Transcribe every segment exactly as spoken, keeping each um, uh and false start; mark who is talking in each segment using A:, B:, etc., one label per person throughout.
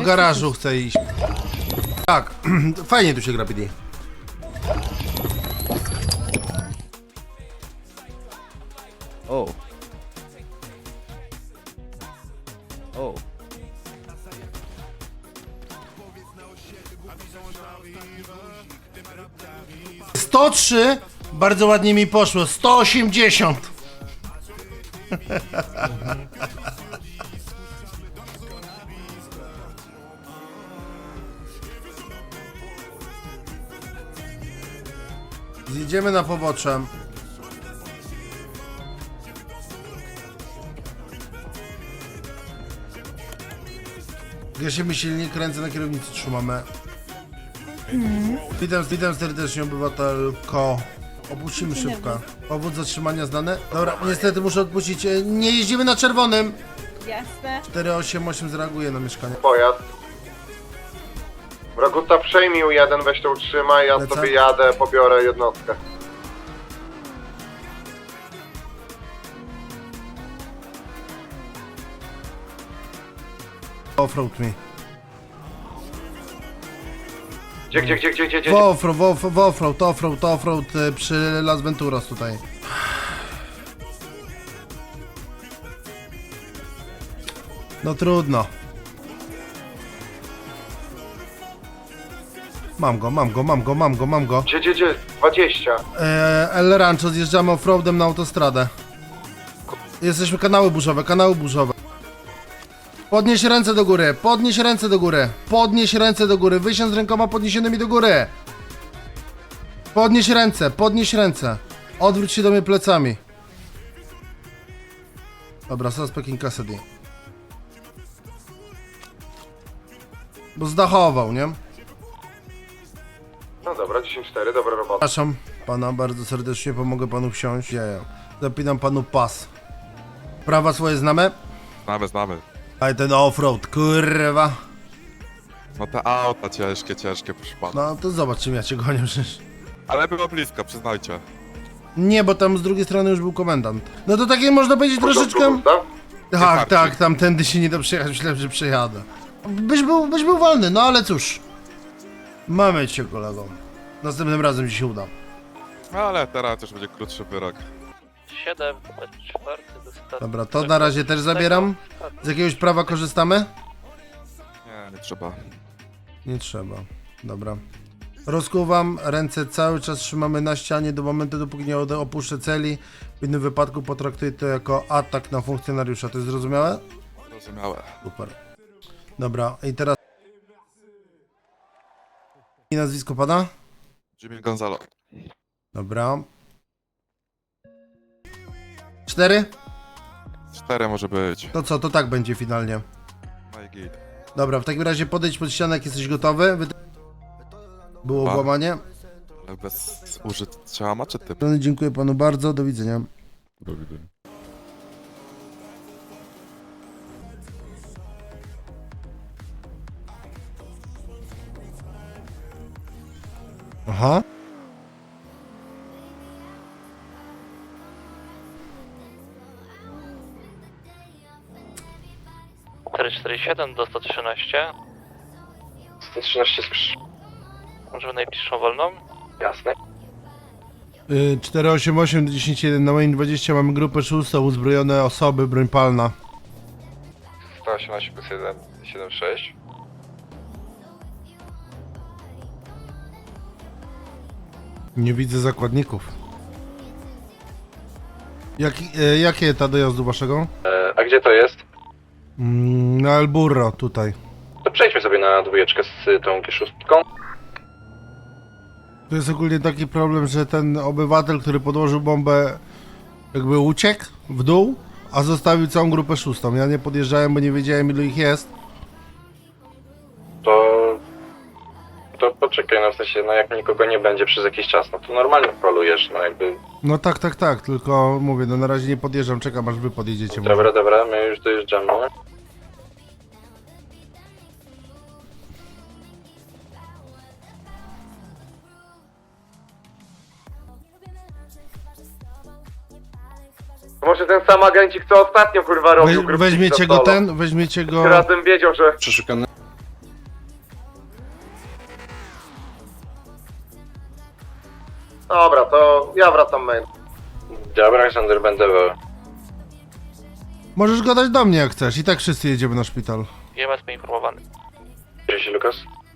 A: garażu chcę iść. Tak, fajnie tu się gra, P D.
B: O. O.
A: sto trzy, bardzo ładnie mi poszło, sto osiemdziesiąt. Zjedziemy na pobocze. Gasimy silnik, ręce na kierownicy trzymamy. Hmm. Witam, witam serdecznie, obywatelko. Opuścimy szybko. Powód zatrzymania znany? Dobra, niestety muszę odpuścić. E, Nie jeździmy na czerwonym.
C: Jasne.
A: cztery osiem osiem zareaguje na mieszkanie.
D: Pojazd. Raguta, przejmij U jeden, weź to utrzymaj, ja
A: Lecę.
D: sobie jadę, pobiorę jednostkę.
A: Offroad mi.
D: Gdzie, gdzie, gdzie, gdzie, gdzie, gdzie?
A: W offroad, w off- w offroad, offroad, offroad e, przy Las Venturas tutaj. No trudno. Mam go, mam go, mam go, mam go, mam go.
D: Gdzie, gdzie, gdzie? dwadzieścia.
A: E, El Rancho, zjeżdżamy offroadem na autostradę. Jesteśmy kanały burzowe, kanały burzowe. Podnieś ręce do góry, podnieś ręce do góry, podnieś ręce do góry, wysiądź z rękoma podniesionymi do góry. Podnieś ręce, podnieś ręce. Odwróć się do mnie plecami. Dobra, suspect in custody. Bo zdachował, nie?
D: No dobra, dziesięć cztery, dobra robota.
A: Przepraszam pana bardzo serdecznie, pomogę panu wsiąść. Dzieje. Zapinam panu pas. Prawa swoje znamy?
E: Znamy, znamy.
A: Ale ten offroad, kurwa.
E: No te auta ciężkie, ciężkie, proszę pana.
A: No to zobacz, czym ja cię gonię przecież.
E: Ale było blisko, przyznajcie.
A: Nie, bo tam z drugiej strony już był komendant. No to takie można powiedzieć troszeczkę...
D: Gustaw?
A: Tak,
E: Wystarczy.
A: tak, tamtędy się nie da przejechać, myślałem, że przejadę. Byś był, byś był wolny, no ale cóż. Mamy cię, kolego. Następnym razem ci się uda.
E: No ale teraz już będzie krótszy wyrok.
F: siedem, czwarty dostarczy.
A: Dobra, to na razie też zabieram. Z jakiegoś prawa korzystamy?
E: Nie, nie trzeba.
A: Nie trzeba. Dobra. Rozkuwam, ręce cały czas trzymamy na ścianie do momentu, dopóki nie ode- opuszczę celi. W innym wypadku potraktuję to jako atak na funkcjonariusza. To jest zrozumiałe?
E: Zrozumiałe.
A: Super. Dobra, i teraz... I nazwisko pana?
E: Jimmy Gonzalo.
A: Dobra. Cztery?
E: Cztery może być.
A: To co, to tak będzie finalnie.
E: No i git.
A: Dobra, w takim razie podejdź pod ścianę, jak jesteś gotowy. Wy... Było
E: Dwa.
A: włamanie.
E: Ale bez użycia maczety.
A: Dziękuję panu bardzo, do widzenia.
E: Do widzenia.
A: Aha.
F: cztery cztery siedem do sto trzynaście.
D: sto trzynaście skrzyż.
F: Możemy najbliższą wolną?
D: Jasne.
A: Y, cztery osiem osiem dziesięć jeden na moim dwadzieścia mamy grupę szóstą, uzbrojone osoby, broń palna.
D: sto osiemnaście plus jeden, siedem sześć.
A: Nie widzę zakładników. Jak, y, jakie ta dojazdu waszego?
D: E, a gdzie to jest?
A: Mm, na El Burro, tutaj.
D: To przejdźmy sobie na dwójeczkę z tą G sześć.
A: To jest ogólnie taki problem, że ten obywatel, który podłożył bombę, jakby uciekł w dół, a zostawił całą grupę szóstą. Ja nie podjeżdżałem, bo nie wiedziałem, ilu ich jest.
D: To... To poczekaj, no w sensie, no jak nikogo nie będzie przez jakiś czas, no to normalnie polujesz, no jakby...
A: No tak, tak, tak, tylko mówię, no na razie nie podjeżdżam, czekam aż wy podjedziecie. może.
D: Dobra, dobra, my już dojeżdżamy. Może ten sam agencik, co ostatnio kurwa robił
A: We,
D: grupki
A: weźmiecie
D: za
A: go
D: solo.
A: ten, weźmiecie go...
D: Razem wiedział, że...
G: Przeszukany.
A: Dobra, to ja wracam mail.
D: Dobra, Aleksander, będę w...
A: Możesz gadać do mnie jak chcesz, i tak wszyscy jedziemy na szpital.
F: I M S poinformowany.
D: Cześć, Lukas.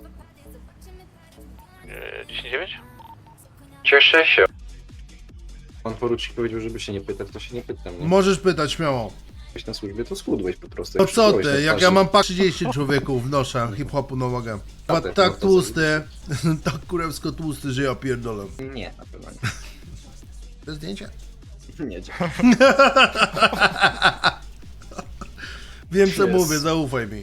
F: Yy, dziesięć dziewięć?
D: Cieszę się.
C: Pan porucznik powiedział, żeby się nie pytać, to się nie pytam. Nie?
A: Możesz pytać śmiało.
C: Byłeś na służbie, to schudłeś po prostu.
A: No
C: jak
A: co
C: przybyłeś na
A: ty, jak
C: twarzy.
A: ja mam pa trzydzieści człowieków w noszę, hip-hopu na nogę. A
C: Dobra,
A: tak
C: no to
A: tłusty, tak kurewsko tłusty, że ja pierdolę.
C: Nie, na pewno
A: To zdjęcie?
C: nie. Nie, dziękuję.
A: Wiem co
C: Yes.
A: mówię, zaufaj mi.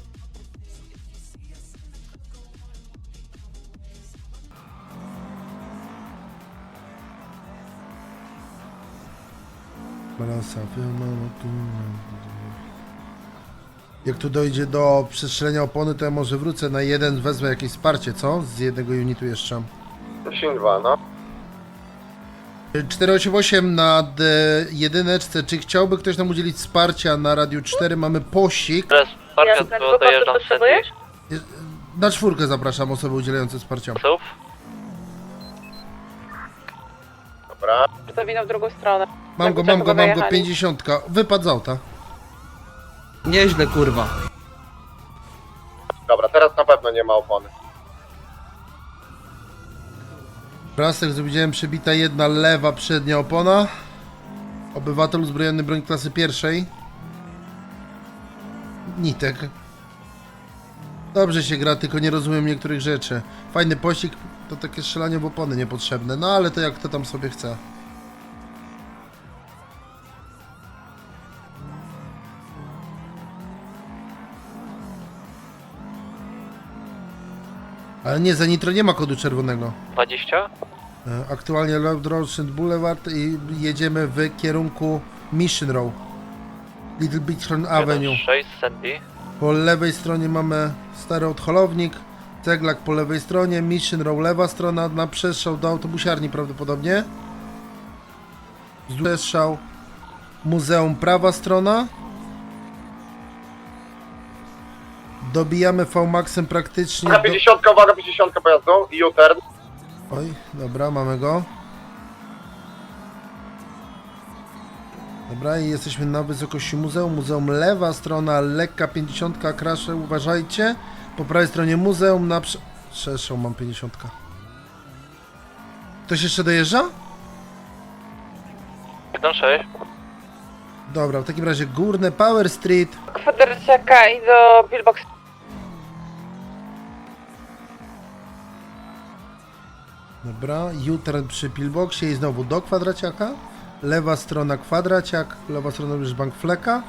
A: Jak tu dojdzie do przestrzelenia opony, to ja może wrócę na jeden, wezmę jakieś wsparcie, co? Z jednego unitu jeszcze.
D: dziesięć dwa, no.
A: cztery osiem osiem nad e, jedyneczce. Czy chciałby ktoś nam udzielić wsparcia na Radiu cztery? Mamy pościg.
F: Teraz wsparcia, to dojeżdżam z Sandy.
A: Na czwórkę zapraszam osoby udzielające wsparcia.
F: Psów.
D: Dobra.
G: Zawinął w drugą stronę.
A: Mam go, mam go, mam go, pięćdziesiątka. Wypadł z auta.
H: Nieźle, kurwa.
D: Dobra, teraz na pewno nie ma opony.
A: Raz jak widziałem przebita jedna lewa przednia opona. Obywatel uzbrojony broń klasy pierwszej. Nitek. Dobrze się gra, tylko nie rozumiem niektórych rzeczy. Fajny pościg, to takie strzelanie w opony niepotrzebne. No ale to jak kto tam sobie chce. Ale nie, za nitro nie ma kodu czerwonego.
F: dwadzieścia?
A: E, Aktualnie Love Road Boulevard i jedziemy w kierunku Mission Row. Little Bighorn Avenue.
F: sześć Sandy.
A: Po lewej stronie mamy stary odholownik, ceglak po lewej stronie, Mission Row lewa strona, na przestrzał do autobusiarni prawdopodobnie. Przestrzał muzeum prawa strona. Dobijamy V-Maxem praktycznie
D: Uwaga
A: do...
D: pięćdziesiąt, uwaga pięćdziesiąt pojazdu i U-turn.
A: Oj, dobra, mamy go. Dobra, i jesteśmy na wysokości muzeum. Muzeum lewa strona, lekka pięćdziesiątka, krasze, uważajcie. Po prawej stronie muzeum, na prze... Przestrzał mam pięćdziesiątka. Ktoś jeszcze dojeżdża?
F: jeden sześć.
A: Dobra, w takim razie górne Power Street.
G: Kwadraciaka i do Billbox.
A: Dobra, U-turn przy pillboxie i znowu do kwadraciaka. Lewa strona kwadraciak, lewa strona już bank fleka.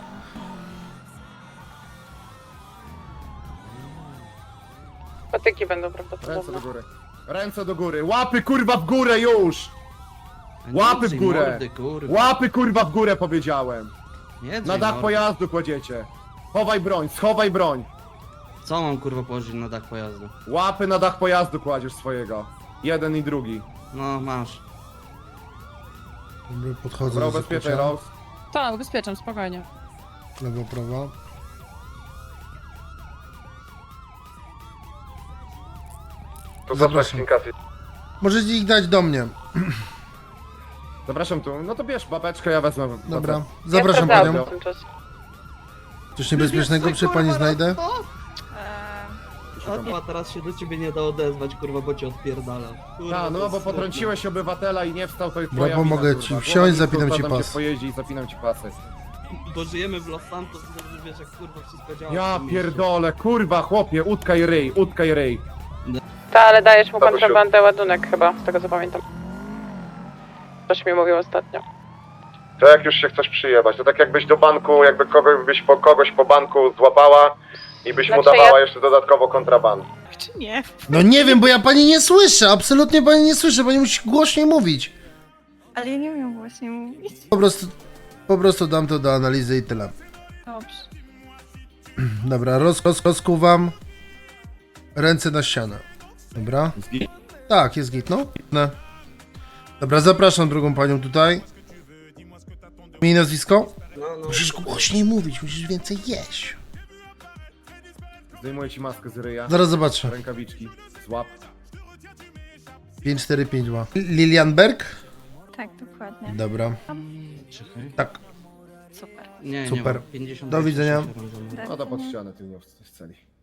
G: Patyki będą
I: Ręce do
G: prawdopodobne.
I: góry. Ręce do góry. Łapy kurwa w górę już! Łapy w
H: Nie
I: górę.
H: Mordy, kurwa.
I: Łapy kurwa w górę powiedziałem.
H: Nie
I: Na
H: drzej
I: dach
H: mordy.
I: pojazdu kładziecie. Chowaj broń, schowaj broń.
H: Co mam kurwa położyć na dach pojazdu?
I: Łapy na dach pojazdu kładziesz swojego. Jeden i drugi.
H: No masz.
A: Dobra, podchodzę
I: Dobra,
A: do
I: ubezpieczaj
A: zakłucia.
I: Rose.
G: Tak, ubezpieczam, spokojnie.
A: Lewo, prawo.
D: To
A: Zapraszam. Możecie ich dać do mnie.
I: Zapraszam tu. No to bierz babeczkę, ja wezmę.
A: Dobra, zapraszam
G: ja
A: panią.
G: sprawdzałam w tym czasie.
A: Coś niebezpiecznego przy pani znajdę?
H: A teraz się do ciebie nie da odezwać, kurwa, bo cię odpierdala. Kurwa,
I: A,
H: to
I: no
H: jest
I: bo
H: smutne.
I: potrąciłeś obywatela i nie wstał, to jest
A: Dobra,
I: twoja
A: pomogę
I: wina,
A: ci
I: kurwa.
A: wsiąść,
I: Głowa
A: zapinam
I: nisko,
A: ci
I: wsadzam
A: pas.
I: cię pojeździ i zapinam ci pasy.
H: Bo żyjemy w Los Santos, dobrze wiesz jak kurwa wszystko działa. w
I: Ja
H: tym mieście.
I: pierdolę, kurwa chłopie, utkaj ryj, utkaj ryj.
G: Tak, ale dajesz mu
D: Babusiu.
G: kontrabandę ładunek chyba, z tego co pamiętam. Coś mi mówił ostatnio.
D: To jak już się chcesz przyjebać, to tak jakbyś do banku, jakby kogoś, byś po, kogoś po banku złapała i byś mu
G: Znaczy
D: dawała
G: ja-
D: jeszcze dodatkowo kontrabandę.
J: Czy nie?
A: No nie wiem, bo ja pani nie słyszę, absolutnie pani nie słyszę, pani musi głośniej mówić.
J: Ale ja nie umiem właśnie mówić.
A: Po prostu, po prostu dam to do analizy i tyle.
J: Dobrze.
A: Dobra, roz, roz, rozkuwam. Ręce na ścianę. Dobra. Tak, jest git, no. No. Dobra, zapraszam drugą panią tutaj. Imię i nazwisko?
H: No, no.
A: Musisz głośniej mówić, musisz więcej jeść.
I: Zdejmuję ci maskę z ryja.
A: Zaraz zobaczę.
I: Rękawiczki, złap.
A: pięć cztery pięć ma. Lilianberg?
J: Tak, dokładnie.
A: Dobra.
H: Czekaj.
A: Tak.
J: Super.
H: Nie,
A: Super.
H: nie, pięćdziesiąt
A: Do widzenia.
J: Tak.
I: No to pod ścianę, ty nie w celi.